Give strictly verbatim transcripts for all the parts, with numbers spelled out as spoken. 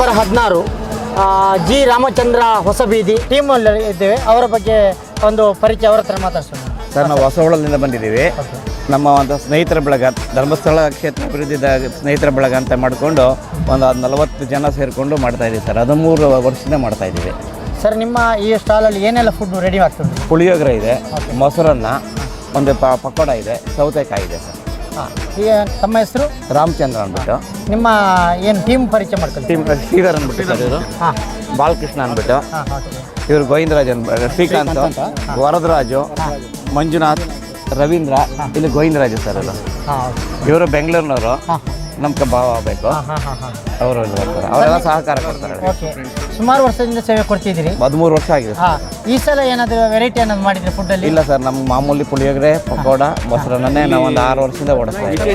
Number ಹದಿನಾರು G Ramachandra ಹೊಸಬೀದಿ ಟೀಮಲ್ಲಿ ಇದ್ದೇವೆ. ಅವರ ಬಗ್ಗೆ ಒಂದು ಪರಿಚಯ ಅವರ ಹತ್ರ ಮಾತಾಡ್ಸೋಣ. ಸರ್, ನಾವು ಹೊಸಹೊಳಲಿಂದ ಬಂದಿದ್ದೀವಿ. ನಮ್ಮ ಒಂದು ಸ್ನೇಹಿತರ ಬಳಗ, ಧರ್ಮಸ್ಥಳ ಕ್ಷೇತ್ರ ಅಭಿವೃದ್ಧಿ ಸ್ನೇಹಿತರ ಬಳಗ ಅಂತ ಮಾಡಿಕೊಂಡು ಒಂದು ನಲವತ್ತು ಜನ ಸೇರಿಕೊಂಡು ಮಾಡ್ತಾಯಿದ್ದೀವಿ ಸರ್. ಹದಿಮೂರು ವರ್ಷದಿಂದ ಮಾಡ್ತಾಯಿದ್ದೀವಿ ಸರ್. ನಿಮ್ಮ ಈ ಸ್ಟಾಲಲ್ಲಿ ಏನೆಲ್ಲ ಫುಡ್ ರೆಡಿ ಆಗ್ತದೆ? ಪುಳಿಯೋಗರೆ ಇದೆ, ಮೊಸರನ್ನ, ಒಂದು ಪ ಪಕೋಡ ಇದೆ, ಸೌತೆಕಾಯಿ ಇದೆ ಸರ್. ಹಾಂ, ಈಗ ತಮ್ಮ ಹೆಸರು? ರಾಮಚಂದ್ರ ಅಂದ್ಬಿಟ್ಟು. ನಿಮ್ಮ ಏನು ಟೀಮ್ ಪರಿಚಯ ಮಾಡ್ಕೊಳ್ಳಿ? ಟೀಮ್ ಶ್ರೀಧರ್ ಅಂದ್ಬಿಟ್ಟು ಸರ್. ಇವರು ಹಾಂ, ಬಾಲಕೃಷ್ಣ ಅಂದ್ಬಿಟ್ಟು. ಹಾಂ, ಓಕೆ. ಇವರು ಗೋವಿಂದರಾಜ್ ಅಂದ್ಬಿಟ್ಟು, ಶ್ರೀಕಾಂತ್, ವರದರಾಜು, ಮಂಜುನಾಥ್, ರವೀಂದ್ರ, ಇಲ್ಲಿ ಗೋವಿಂದರಾಜು ಸರ್. ಅದು ಹಾಂ, ಇವರು ಬೆಂಗಳೂರಿನವರು. ಹಾಂ, ನಮ್ಗೆ ಭಾವ ಬೇಕು, ಹಾಂ, ಹಾಂ, ಹಾಂ. ಅವರು ಬರ್ತಾರೆ. ಅವರೆಲ್ಲ ಸಹಕಾರ ಕೊಡ್ತಾರೆ. ಓಕೆ. ಸುಮಾರು ವರ್ಷದಿಂದ ಸೇವೆ ಕೊಡ್ತಿದ್ದೀರಿ? ಹದಿಮೂರು ವರ್ಷ ಆಗಿದೆ ಸರ್. ಹಾಂ, ಈ ಸಲ ಏನಾದರೂ ವೆರೈಟಿ ಏನಾದ್ರು ಮಾಡಿದ್ರೆ ಫುಡ್ಡಲ್ಲಿ? ಇಲ್ಲ ಸರ್, ನಮ್ಮ ಮಾಮೂಲಿ ಪುಳಿಯೋಗರೆ, ಪಕೋಡ, ಮೊಸರನ್ನೇ ನಾವು ಒಂದು ಆರು ವರ್ಷದಿಂದ ಓಡಿಸ್ತಾ ಇದ್ದೀವಿ.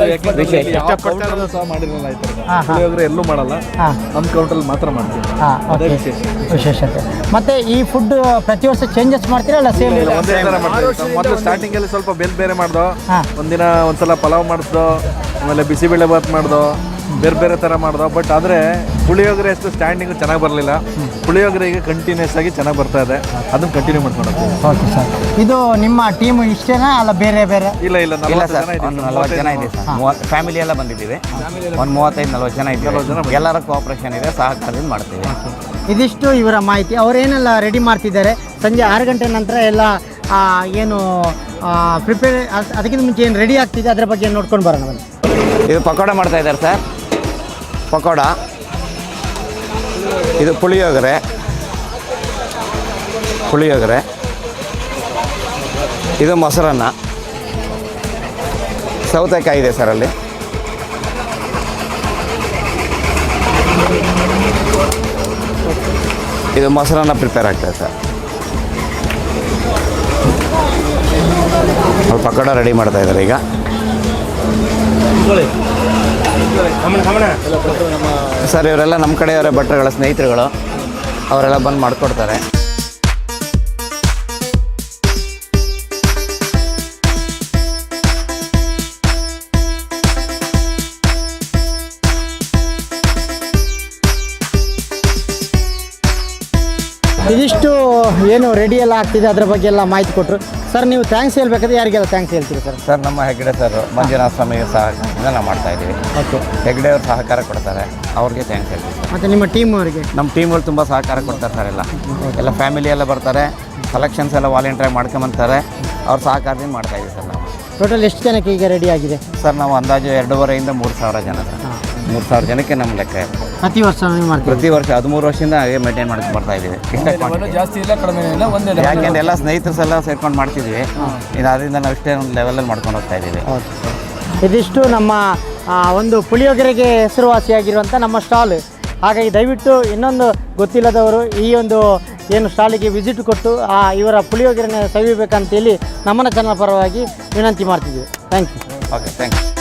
ಪುಳಿಯೋಗರೆ ಎಲ್ಲೂ ಮಾಡಲ್ಲ, ನಮ್ಮ ಕೌಂಟ್ರಲ್ಲಿ ಮಾತ್ರ ಮಾಡ್ತೀವಿ. ಹಾಂ, ಓಕೆ, ವಿಶೇಷತೆ. ಮತ್ತೆ ಈ ಫುಡ್ ಪ್ರತಿ ವರ್ಷ ಚೇಂಜಸ್ ಮಾಡ್ತೀರಾ ಅಲ್ಲ ಸೇಮ್? ಒಂದೇ ಥರ ಮಾಡ್ತೀವಿ. ಮೊದಲು ಸ್ಟಾರ್ಟಿಂಗಲ್ಲಿ ಸ್ವಲ್ಪ ಬೇರೆ ಬೇರೆ ಮಾಡ್ದೋ, ಹಾಂ, ಒಂದಿನ ಒಂದ್ಸಲ ಪಲಾವ್ ಮಾಡಿಸ್ದೋ, ಆಮೇಲೆ ಬಿಸಿಬೇಳೆ ಬಾತ್ ಮಾಡ್ದೋ, ಬೇರೆ ಬೇರೆ ಥರ ಮಾಡ್ದೋ. ಬಟ್ ಆದರೆ ಪುಳಿಯೋಗರೆ ಅಷ್ಟು ಸ್ಟ್ಯಾಂಡಿಂಗು ಚೆನ್ನಾಗಿ ಬರಲಿಲ್ಲ. ಪುಳಿಯೋಗರೆ ಈಗ ಕಂಟಿನ್ಯೂಸ್ ಆಗಿ ಚೆನ್ನಾಗಿ ಬರ್ತಾ ಇದೆ. ಅದನ್ನು ಕಂಟಿನ್ಯೂ ಮಾಡ್ಕೊಂಡು ಹೋಗ್ತೀವಿ. Okay sir. ಇದು ನಿಮ್ಮ ಟೀಮ್ ಇಷ್ಟೇನಾ ಅಲ್ಲ ಬೇರೆ ಬೇರೆ? ಇಲ್ಲ ಇಲ್ಲ ಇಲ್ಲ ಸರ್, ಒಂದು ನಲ್ವತ್ತು ಜನ ಇದೆ ಸರ್. ಮೂವತ್ತು ಫ್ಯಾಮಿಲಿ ಎಲ್ಲ ಬಂದಿದ್ದೀವಿ. ಒಂದು ಮೂವತ್ತೈದು ನಲ್ವತ್ತು ಜನ ಇದ್ದೀವಿ. ಎಲ್ಲರ ಕೋಆಪ್ರೇಷನ್ ಇದೆ, ಸಹಕಾರದಿಂದ ಮಾಡ್ತೀವಿ. ಇದಿಷ್ಟು ಇವರ ಮಾಹಿತಿ. ಅವರೇನೆಲ್ಲ ರೆಡಿ ಮಾಡ್ತಿದ್ದಾರೆ. ಸಂಜೆ ಆರು ಗಂಟೆ ನಂತರ ಎಲ್ಲ ಏನು ಪ್ರಿಪೇರ್, ಅದಕ್ಕಿಂತ ಮುಂಚೆ ಏನು ರೆಡಿ ಆಗ್ತಿದೆ ಅದರ ಬಗ್ಗೆ ನೋಡ್ಕೊಂಡು ಬರೋಣ ಬನ್ನಿ. ಇದು ಪಕೋಡ ಮಾಡ್ತಾ ಇದ್ದಾರೆ ಸರ್. ಪಕೋಡ, ಇದು ಪುಳಿಯೋಗರೆ, ಪುಳಿಯೋಗರೆ, ಇದು ಮೊಸರನ್ನ, ಸೌತೆಕಾಯಿ ಇದೆ ಸರ್. ಅಲ್ಲಿ ಇದು ಮೊಸರನ್ನ ಪ್ರಿಪೇರ್ ಆಗ್ತದೆ ಸರ್. ಅವ್ರು ಪಕೋಡ ರೆಡಿ ಮಾಡ್ತಾ ಇದ್ದಾರೆ ಈಗ. ಸರ್, ಇವರೆಲ್ಲ ನಮ್ಮ ಕಡೆಯವರ ಭಟ್ರುಗಳ ಸ್ನೇಹಿತರುಗಳು. ಅವರೆಲ್ಲ ಬಂದು ಮಾಡಿಕೊಡ್ತಾರೆ. ಇದಿಷ್ಟು ಏನು ರೆಡಿ ಎಲ್ಲ ಆಗ್ತಿದೆ ಅದರ ಬಗ್ಗೆ ಎಲ್ಲ ಮಾಹಿತಿ ಕೊಟ್ಟರು ಸರ್. ನೀವು ಥ್ಯಾಂಕ್ಸ್ ಹೇಳ್ಬೇಕಾದ್ರೆ ಯಾರಿಗೆಲ್ಲ ಥ್ಯಾಂಕ್ಸ್ ಹೇಳ್ತೀರಿ ಸರ್? ಸರ್, ನಮ್ಮ ಹೆಗ್ಡೆ ಸರ್, ಮಂಜುನಾಥ ಸ್ವಾಮಿಗೆ ಸಹಕಾರದಿಂದ ನಾವು ಮಾಡ್ತಾ ಇದ್ದೀವಿ. ಓಕೆ. ಹೆಗ್ಡೆ ಅವ್ರು ಸಹಕಾರ ಕೊಡ್ತಾರೆ, ಅವ್ರಿಗೆ ಥ್ಯಾಂಕ್ಸ್ ಹೇಳ್ತೀವಿ ಸರ್. ಮತ್ತು ನಿಮ್ಮ ಟೀಮ್ ಅವರಿಗೆ? ನಮ್ಮ ಟೀಮ್ಗಳು ತುಂಬ ಸಹಕಾರ ಕೊಡ್ತಾರೆ ಸರ್. ಎಲ್ಲ ಎಲ್ಲ ಫ್ಯಾಮಿಲಿ ಎಲ್ಲ ಬರ್ತಾರೆ, ಕಲೆಕ್ಷನ್ಸ್ ಎಲ್ಲ ವಾಲಂಟಿಯರ್ ಮಾಡ್ಕೊಂಬಂತಾರೆ. ಅವ್ರ ಸಹಕಾರದಿಂದ ಮಾಡ್ತಾ ಇದ್ದೀವಿ ಸರ್ ನಾವು. ಟೋಟಲ್ ಎಷ್ಟು ಜನಕ್ಕೆ ಈಗ ರೆಡಿ ಆಗಿದೆ ಸರ್? ನಾವು ಅಂದಾಜು ಎರಡೂವರೆಯಿಂದ ಮೂರು ಸಾವಿರ ಜನ ಸರ್. ಮೂರು ಸಾವಿರ ಜನಕ್ಕೆ ನಮ್ಮ ಲೆಕ್ಕ ಇರುತ್ತೆ. ಪ್ರತಿ ವರ್ಷ ನೀವು ಮಾಡ್ತೀವಿ? ಪ್ರತಿ ವರ್ಷ ಹದಿಮೂರು ವರ್ಷದಿಂದ ಹಾಗೆ ಮೇಂಟೈನ್ ಮಾಡ್ಕೊಂಡು ಬರ್ತಾ ಇದ್ದೀವಿ. ಇಷ್ಟೇ ಜಾಸ್ತಿ ಇಲ್ಲ, ಕಡಿಮೆ ಇಲ್ಲ, ಒಂದೇ. ಯಾಕೆಂದ್ರೆ ಎಲ್ಲ ಸ್ನೇಹಿತರು ಎಲ್ಲ ಸೇರ್ಕೊಂಡು ಮಾಡ್ತಿದ್ವಿ. ಇದು ಅದರಿಂದ ನಾವು ಇಷ್ಟೇ ಒಂದು ಲೆವೆಲಲ್ಲಿ ಮಾಡ್ಕೊಂಡು ಹೋಗ್ತಾ ಇದ್ದೀವಿ. ಇದಿಷ್ಟು ನಮ್ಮ ಒಂದು ಪುಳಿಯೋಗರೆಗೆ ಹೆಸರುವಾಸಿಯಾಗಿರುವಂಥ ನಮ್ಮ ಸ್ಟಾಲ್. ಹಾಗಾಗಿ ದಯವಿಟ್ಟು ಇನ್ನೊಂದು ಗೊತ್ತಿಲ್ಲದವರು ಈ ಒಂದು ಏನು ಸ್ಟಾಲಿಗೆ ವಿಸಿಟ್ ಕೊಟ್ಟು ಆ ಇವರ ಪುಳಿಯೋಗರೆನ ಸವಿಬೇಕಂತೇಳಿ ನಮ್ಮನ ಚಾನಲ್ ಪರವಾಗಿ ವಿನಂತಿ ಮಾಡ್ತಿದ್ದೀವಿ. Thank you. Okay, thank you.